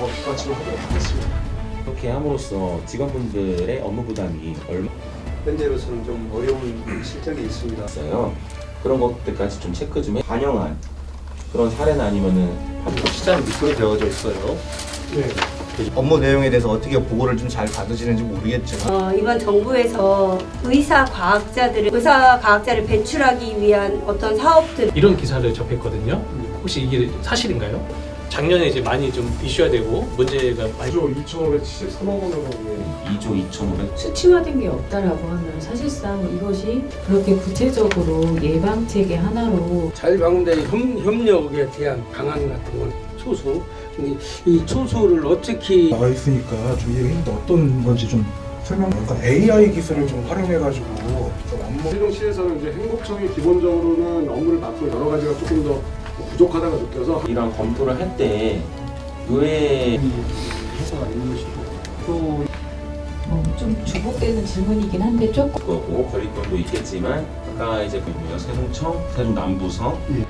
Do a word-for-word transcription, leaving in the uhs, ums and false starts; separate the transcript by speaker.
Speaker 1: 더 뒷받침하도록 하겠습니다.
Speaker 2: 이렇게 함으로써 직원분들의 업무 부담이 얼마
Speaker 1: 현재로서는 좀 어려운 실정이 있습니다.
Speaker 2: 있어요. 그런 것들까지 좀 체크 좀 해. 반영한 그런 사례나 아니면은
Speaker 1: 시장 밑으로 되어져 있어요.
Speaker 3: 네.
Speaker 4: 업무 내용에 대해서 어떻게 보고를 좀 잘 받으시는지 모르겠지만
Speaker 5: 어, 이번 정부에서 의사 과학자들을 의사 과학자를 배출하기 위한 어떤 사업들
Speaker 3: 이런 기사를 접했거든요. 혹시 이게 사실인가요? 작년에 이제 많이 좀 이슈화 되고 문제가 많이
Speaker 6: 조 이천오백칠십삼억 원으로
Speaker 2: 이조 이천오백
Speaker 7: 수치화된 게 없다라고 하면 사실상 이것이 그렇게 구체적으로 예방 체계 하나로
Speaker 8: 자율방문대 협력에 대한 방안 같은 건 초수 이, 이 초수를 어떻게
Speaker 6: 나와 있으니까 좀 이게 어떤 건지 좀 설명. 그러니까 에이아이 기술을 좀 활용해가지고 좀 업무.
Speaker 9: 세종시에서는 이제 행복청이 기본적으로는 업무를 맡고 여러 가지가 조금 더 부족하다고 느껴서
Speaker 2: 이런 검토를 할 때 의회
Speaker 8: 해소가 있는 것이고 또
Speaker 7: 어, 좀 주목되는 질문이긴 한데 조금
Speaker 2: 거고 거리권도 있겠지만 아까 이제 보면 세종청, 세종남부성,